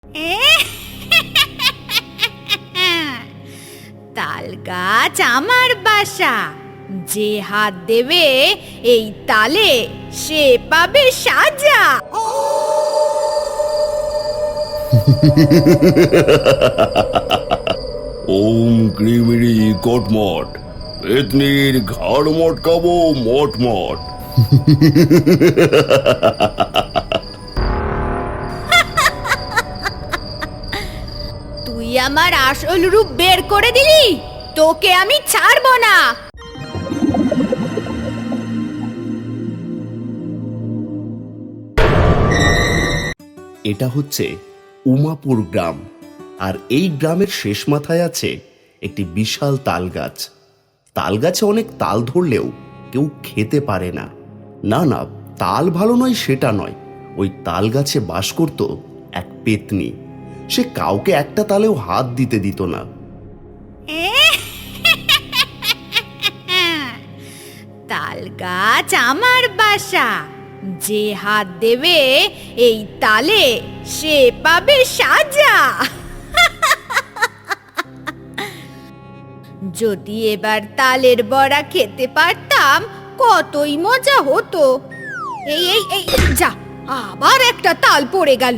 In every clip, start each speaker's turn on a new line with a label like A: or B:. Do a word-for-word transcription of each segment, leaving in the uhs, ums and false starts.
A: তাল গাছ আমার বাসা, যে হাত দেবে এই তালে সে পাবে সাজা।
B: ওম ক্রিমিরি কটমট, পেতনির ঘাড় মটকাবো মটমট।
A: তুই আমার আসল রূপ বের করে দিলি, তোকে আমি ছাড়বো না।
C: এটা হচ্ছে উমাপুর গ্রাম, আর এই গ্রামের শেষ মাথায় আছে একটি বিশাল তাল গাছ। তাল গাছে অনেক তাল ধরলেও কেউ খেতে পারে না। না না, তাল ভালো নয় সেটা নয়, ওই তাল গাছে বাস করত এক পেতনি। সে কাউকে একটা তালেও হাত দিতে দিত না।
A: তাল গাছ আমার বাসা, যে হাত দেবে এই তালে সে পাবে সাজা। যদি এবার তালের বড়া খেতে পারতাম কতই মজা হতো। এই এই এই যা, আবার একটা তাল পড়ে গেল।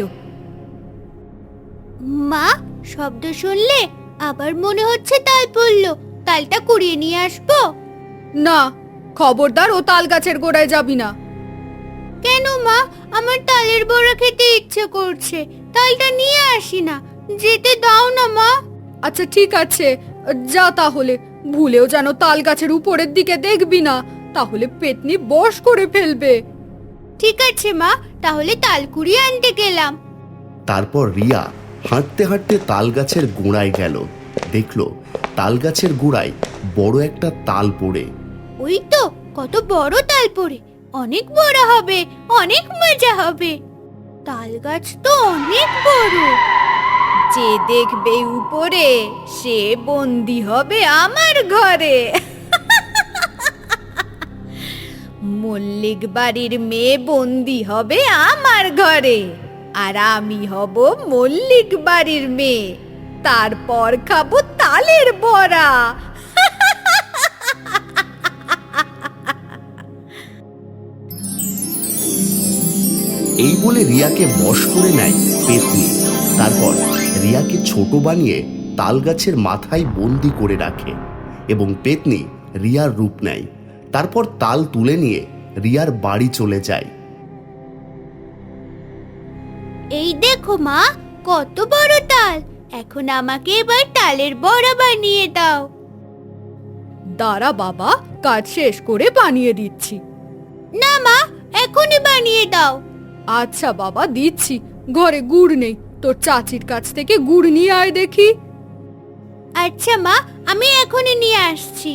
A: মা, শব্দ শুনলে আবার মনে হচ্ছে তাল পড়লো, তালটা কুড়িয়ে নিয়ে আসবো? না, খবরদার ও তাল গাছের গোড়ায় যাবি না। কেন মা? আমার তালের বড়া খেতে ইচ্ছে করছে, তালটা নিয়ে আসি না, যেতে দাও না মা। আচ্ছা ঠিক আছে, যা তাহলে। ভুলেও যেন তাল গাছের উপরের দিকে দেখবি না, তাহলে পেতনি বশ করে ফেলবে। ঠিক আছে মা, তাহলে তাল কুড়িয়ে আনতে গেলাম।
C: তারপর রিয়া হাঁটতে হাঁটতে তাল গাছের গোড়ায় গেল। দেখলো তাল গাছের গোড়ায় বড় একটা তাল পড়ে।
A: ওই তো কত বড় তাল পড়ে, অনেক বড় হবে, অনেক মজা হবে। তাল গাছ তো অনেক বড়, যে দেখবে উপরে সে বন্দি হবে আমার ঘরে। মল্লিক বাড়ির মেয়ে বন্দি হবে আমার ঘরে, আর আমি হব মল্লিক বাড়ির মেয়ে। তারপর খাবো তালের বড়া।
C: এই বলে রিয়াকে বশ করে নেয় পেতনি। তারপর রিয়াকে ছোট বানিয়ে তাল গাছের মাথায় বন্দি করে রাখে এবং পেতনি রিয়ার রূপ নেয়। তারপর তাল তুলে নিয়ে রিয়ার বাড়ি চলে যায়।
A: এই দেখো মা, কত বড় তাল। এখন আমাকে এবার তালের বড়া বানিয়ে দাও। দাঁড়া বাবা, কাজ শেষ করে বানিয়ে দিচ্ছি। না মা, এখনই বানিয়ে দাও। আচ্ছা বাবা, দিচ্ছি। ঘরে গুড় নেই, তোর চাচির কাছ থেকে গুড় নিয়ে আয় দেখি। আচ্ছা মা, আমি এখনই নিয়ে আসছি।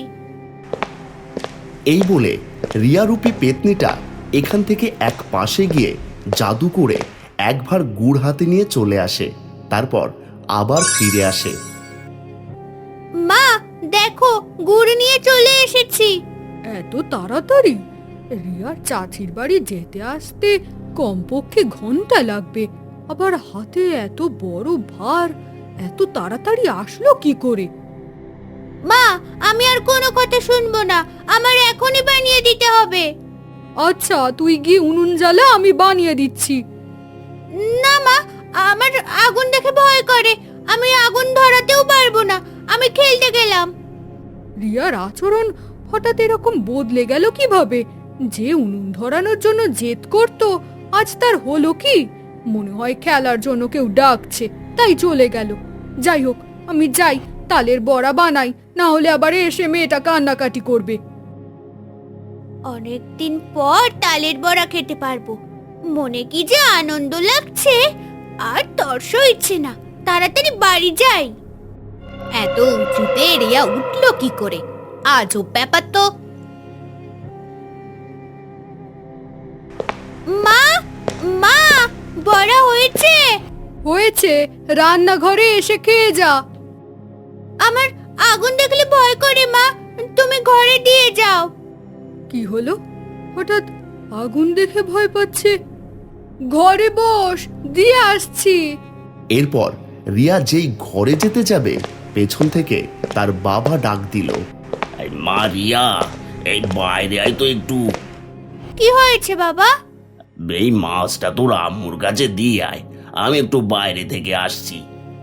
C: এই বলে রিয়ারূপী পেতনিটা এখান থেকে এক পাশে গিয়ে জাদু করে একবার গুড় হাতে নিয়ে চলে আসে। তারপর আবার ফিরে আসে।
A: মা দেখো, গুড় নিয়ে চলে এসেছি। এত তাড়াতাড়ি? রিয়ার চাচির বাড়ি যেতে আসতে কমপক্ষে ঘন্টা লাগবে, আবার হাতে এত বড় ভার, এত তাড়াতাড়ি আসলো কি করে? মা, আমি আর কোনো কথা শুনবো না, আমার এখনই বানিয়ে দিতে হবে। আচ্ছা, তুই গিয়ে উনুন জ্বালা, আমি বানিয়ে দিচ্ছি। না মা, আমার আগুন দেখে ভয় করে, আমি আগুন ধরাতেও পারবো না, আমি খেলতে গেলাম। রিয়ার আচরণ হঠাৎ এরকম বদলে গেল কিভাবে? যে উনুন ধরানোর জন্য জেদ করত, আজ তার হলো কি? মনে হয় খেলার জন্য কেউ ডাকছে, তাই চলে গেল। যাই হোক, আমি যাই, তালের বড়া বানাই, না হলে আবার এসে মেয়েটা কান্নাকাটি করবে। অনেকদিন পর তালের বড়া খেতে পারবো, মনে কি যে আনন্দ লাগছে। আর তর্স ইচ্ছে না, তাড়াতাড়ি বাড়ি যাই। এত উঁচুতে রিয়া উঠলো কি করে? আজব ব্যাপার তো। মা, মা, বড়া হয়েছে? হয়েছে, রান্নাঘরে এসে খেয়ে যা। আমার আগুন দেখলে ভয় করে মা, তুমি ঘরে দিয়ে যাও। কি হলো? হঠাৎ আগুন দেখে ভয় পাচ্ছে? ঘরে বস, দিয়ে আসছি।
C: এরপর রিয়া যেই ঘরে যেতে যাবে পেছন থেকে তার বাবা ডাক দিল,
D: এই মা রিয়া, এই বাইরে আয় তো একটু।
A: কি হয়েছে বাবা?
D: এই মাছটা তোর আম্মুর কাছে দিয়ে আয়, আমি একটু বাইরে থেকে আসছি।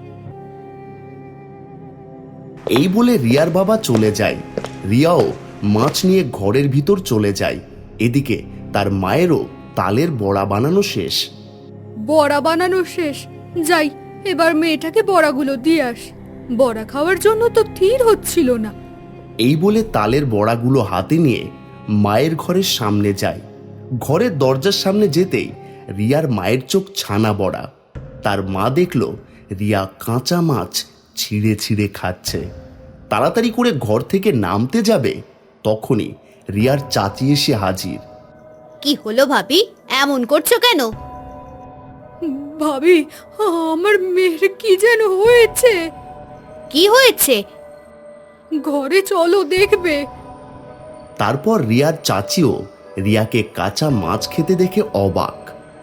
C: এই বলে রিয়ার বাবা চলে যায়। রিয়াও মাছ নিয়ে ঘরের ভিতর চলে যায়। এদিকে তার মায়েরও তালের বড়া বানানো শেষ।
A: বড়া বানানো শেষ, যাই এবার মেয়েটাকে বড়াগুলো দিয়ে আস। বড়া খাওয়ার জন্য তো স্থির হচ্ছিল না।
C: এই বলে তালের বড়াগুলো হাতে নিয়ে মায়ের ঘরের সামনে যায়। ঘরের দরজার সামনে যেতেই রিয়ার মায়ের চোখ ছানা বড়া। তার মা দেখল রিয়া কাঁচা মাছ ছিঁড়ে ছিঁড়ে খাচ্ছে। তাড়াতাড়ি করে ঘর থেকে নামতে যাবে, তখনই রিয়ার চাচি এসে হাজির।
A: কি হলো ভাবি, এমন করছো কেন? ভাবি, আমার মেয়ের কি যেন হয়েছে। কি হয়েছে? ঘরে চলো দেখবে।
C: তারপর রিয়ার চাচিও রিয়াকে কাঁচা মাছ খেতে দেখে অবাক।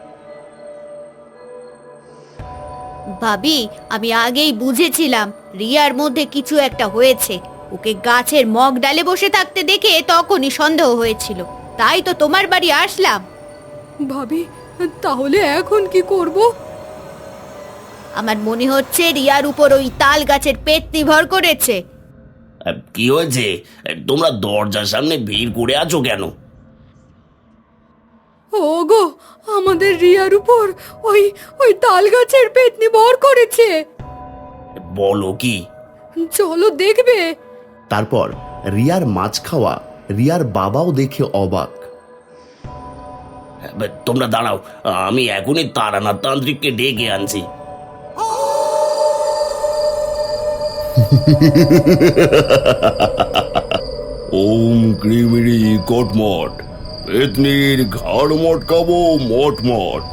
A: ভাবি, আমি আগেই বুঝেছিলাম রিয়ার মধ্যে কিছু একটা হয়েছে। ওকে গাছের মগ ডালে বসে থাকতে দেখে তখনই সন্দেহ হয়েছিল, তাই তো তোমার বাড়ি আসলাম। ভাবি, তাহলে এখন কি করব? আমার মনে হচ্ছে রিয়ার উপর ওই তাল গাছের পেতনি ভর করেছে।
D: আহ, কি হয়েছে? তোমরা দরজার সামনে ভিড় করে আছো কেন?
A: ওগো, আমাদের রিয়ার উপর ওই ওই তাল গাছের পেতনি ভর করেছে।
D: বলো কি?
A: চলো দেখবে।
C: তারপর রিয়ার মাছ খাওয়া রিয়ার বাবাও দেখে অবাক।
D: তোমরা দাঁড়াও, আমি এখনই তারানাথ তান্ত্রিককে ডেকে আনছি।
B: ওম ক্রিমিরি কটমট, পেতনির ঘাড় মটকাবো মটমট।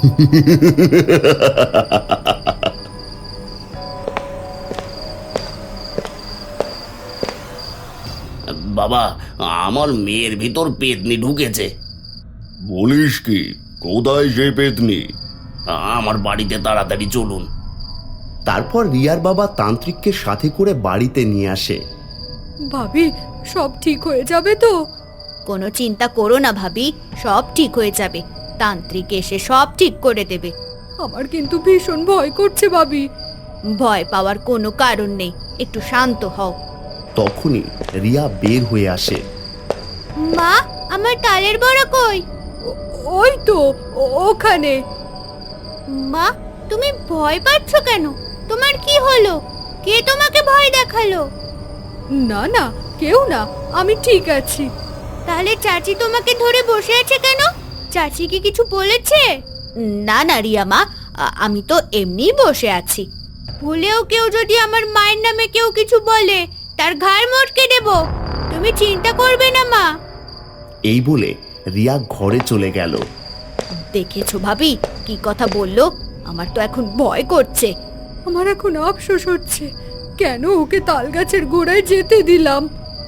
D: বাবা, আমার মেয়ের ভিতর পেতনি ঢুকেছে।
B: বলিস কি? কোথায় সে পেতনি?
D: আমার বাড়িতে তাড়াতাড়ি চলুন।
C: তারপর রিয়ার বাবা তান্ত্রিককে সাথে করে বাড়িতে নিয়ে আসে।
A: ভাবি, সব ঠিক হয়ে যাবে তো? কোনো চিন্তা করো না ভাবি, সব ঠিক হয়ে যাবে। তান্ত্রিক এসে সব ঠিক করে দেবে। আমার কিন্তু ভীষণ ভয় করছে ভাবি। ভয় পাওয়ার কোনো কারণ নেই, একটু শান্ত হও।
C: তখনই রিয়া বের হয়ে আসে।
A: মা, আমার তালের বড়া কই? ওই তো ওখানে। মা, তুমি ভয় পাচ্ছ কেন? তোমার কি হলো? কে তোমাকে ভয় দেখালো? না না, কেউ না, আমি ঠিক আছি। তাহলে চাচি তোমাকে ধরে বসে আছে কেন? চাচি কি কিছু বলেছে? না না রিয়া মা, আ- আমি তো এমনিই বসে আছি। ভুলেও কেউ যদি আমার মায়ের নামে কেউ কিছু বলে, তার ঘাড় মটকে দেব। তুমি চিন্তা করবে না মা।
C: এই বলে রিয়া ঘরে চলে গেল।
A: দেখেছো ভাবি কি কথা বললো? আমার তো এখন ভয় করছে। আমার এখন আফসোস হচ্ছে, কেন ওকে তাল গাছের গোড়ায় যেতে দিলাম।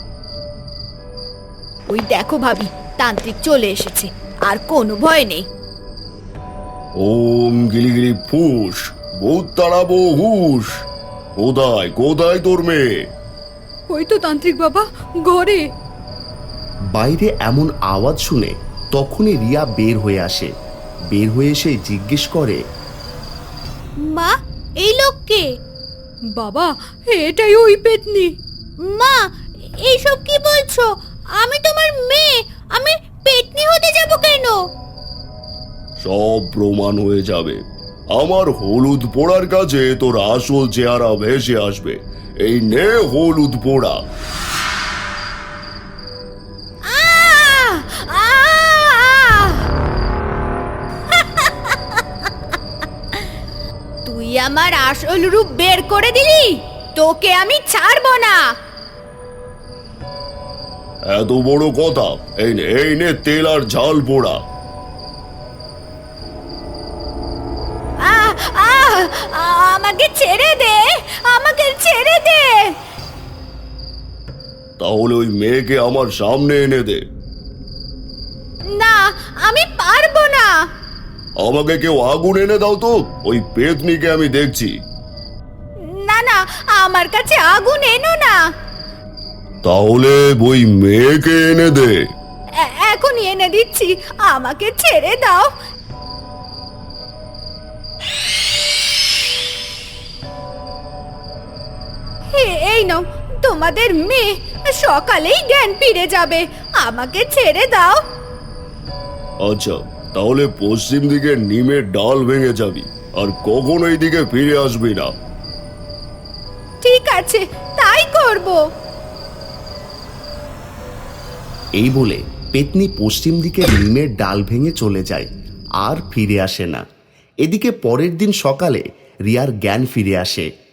A: ওই দেখো ভাবি, তান্ত্রিক চলে এসেছে, আর কোনো ভয় নেই।
B: ওম গিলিগিলি ফুস, ভূত তাড়াবো হুস। কোথায় কোথায় তোর মেয়ে?
A: ওই তো তান্ত্রিক বাবা, ঘরে।
C: বাইরে এমন আওয়াজ শুনে তখনই রিয়া বের হয়ে আসে। বের হয়ে এসে জিজ্ঞেস করে,
A: মা, এই লোককে? বাবা, এটাই ওই পেতনি। মা, এইসব কি বলছো? আমি তোমার মেয়ে, আমি পেতনি হতে যাব কেন?
B: সব প্রমাণ হয়ে যাবে। আমার হলুদ পোড়ার কাছে তোর আসল চেহারা ভেসে আসবে। এই নে হলুদ পোড়া।
A: আহ! আহ! তুই আমার আসল রূপ বের করে দিলি, তোকে আমি ছাড়বো না।
B: এত বড় কথা? এই নে এই নে তেল আর ঝাল পোড়া।
A: আহ! আহ! আমাকে ছেড়ে দে, আমাকে ছেড়ে দে।
B: তাহলে ওই মেয়েকে আমার সামনে এনে দে।
A: না, আমি পারবো না।
B: আমাকে কেউ আগুন এনে দাও তো, ওই পেতনিকে আমি দেখছি।
A: না না, আমার কাছে আগুন এনো না।
B: তাহলে ওই মেয়েকে এনে দে।
A: এ- এখনই এনে দিচ্ছি, আমাকে ছেড়ে দাও। এ- এই নাও তোমাদের মেয়ে, সকালেই জ্ঞান ফিরে যাবে, আমাকে ছেড়ে দাও।
B: আচ্ছা, তাহলে পশ্চিম দিকে নিমের ডাল ভেঙে যাবি, আর কখনো এই দিকে ফিরে আসবি না।
A: ঠিক আছে, তাই করব।
C: এই বলে পেতনি পশ্চিম দিকে নিমের ডাল ভেঙে চলে যায়, আর ফিরে আসে না। এদিকে পরের দিন সকালে রিয়ার জ্ঞান ফিরে আসে।